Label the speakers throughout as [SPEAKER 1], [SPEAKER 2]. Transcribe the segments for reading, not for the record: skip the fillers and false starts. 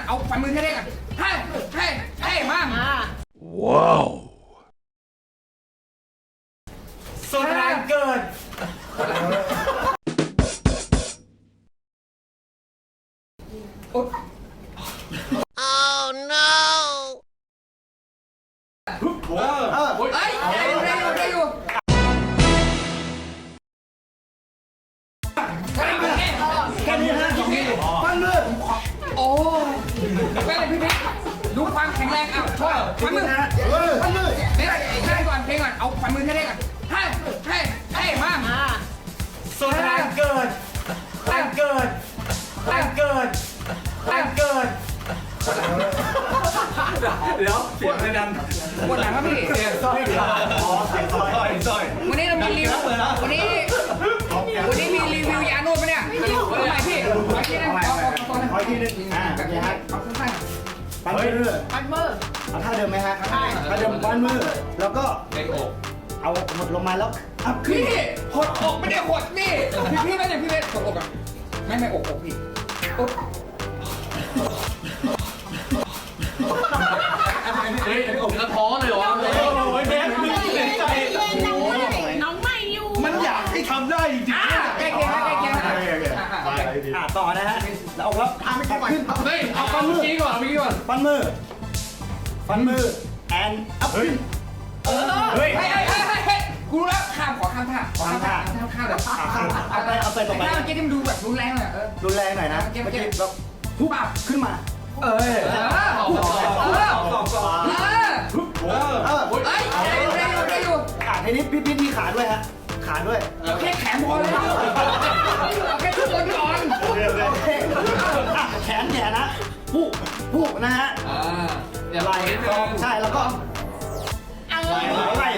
[SPEAKER 1] เอาฝ่ามือเท่ๆกันให้มา
[SPEAKER 2] ว้าว
[SPEAKER 3] สุดแรงเกิน
[SPEAKER 1] Oh no ได้อยู่
[SPEAKER 3] แค่นี้ฮะปั้นมือ
[SPEAKER 1] โอ้แม่พี่ดูความแข็งแรงอ้าวช่วยฝ่ามือ
[SPEAKER 3] ปั้นมือ
[SPEAKER 1] เพลงก่อนเอาฝ่ามือเท่ๆกันให้มา
[SPEAKER 3] สุดแรงเกินแรงเกินเดี๋ยวเสียงไม่ดัง
[SPEAKER 1] ปวดหลังครับพี่
[SPEAKER 3] เสียงสร้อยเสียงสร้อย
[SPEAKER 1] วันนี้เรามีรีวิววันนี้มีรีวิวยานวดปะเนี่ยทำไมพี่ขอที่นึง
[SPEAKER 3] ขอที่นึงแบบนี้ฮะ
[SPEAKER 1] เอาสั้น
[SPEAKER 3] ปั้นมือเอาท่าเดิมไหมฮะท่าเดิมปั้นมือแล้วก็เอาหมดลงมาแล้วอัพขึ้น
[SPEAKER 1] พี่หดอกไม่ได้หดนี่พี่ไม่ใช่พี่เวทหดอกอ่ะไม่อกพี่
[SPEAKER 2] เฮ้ยผมกระท้อเลยเหรอ
[SPEAKER 3] โอ้ยแม่ไม่เสียใจ
[SPEAKER 4] น้องไม่อยู่
[SPEAKER 3] มันอยากให้ทำได้จริงๆ
[SPEAKER 1] ใกล้เคียง
[SPEAKER 3] ต่อนะฮะแล้วเอาแล้วไม่ขึ้น
[SPEAKER 2] เฮ้ยเอาฟันมือกี้ก่อน
[SPEAKER 3] ฟันมือแอนอัพขึ้น
[SPEAKER 1] เฮ้ยกูรู้แล้วขอข้ามท่าเลย
[SPEAKER 3] เอาไปต่อไป
[SPEAKER 1] ท่าเมื่อกี้ที่มันดูแบบรุนแรงเลย
[SPEAKER 3] รุนแรงหน่อยนะเมื่อกี้เราปุ๊บขึ้นมา
[SPEAKER 1] ได้อยู่
[SPEAKER 3] ทีนี้พี่มีขาด้วยฮะขาด้วย
[SPEAKER 1] แค่แขนพอเลยแค่ทุกคนก่อน
[SPEAKER 3] แขนนะผู้นะฮะไหล่ใช่แล้วก็ไหล่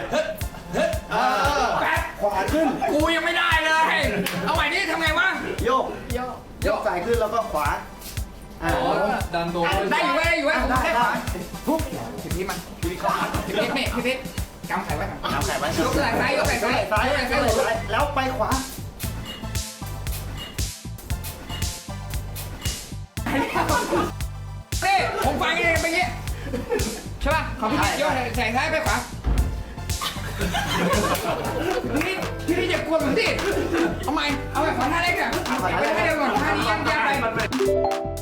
[SPEAKER 3] แป๊บขวาขึ้น
[SPEAKER 1] กูยังไม่ได้เลยเอาใหม่นี่ทำไงวะ
[SPEAKER 3] โยกใส่ขึ้นแล้วก็ขวา
[SPEAKER 2] ดันโดน
[SPEAKER 1] ได้อยู่ได้ขวาปุ๊บพี่มันพี่กำไข่ไว้ยกไหล่ซ้าย
[SPEAKER 3] แล้วไปขวา
[SPEAKER 1] นี่ผมฟังเองไปงี้ใช่ป่ะของพี่ยกใส่ซ้ายไปขวาพี่จะกวนผมสิเอาใหม่ขอท่าเล็กอ่ะไม่ได้ก่อนท่านี้ยังไป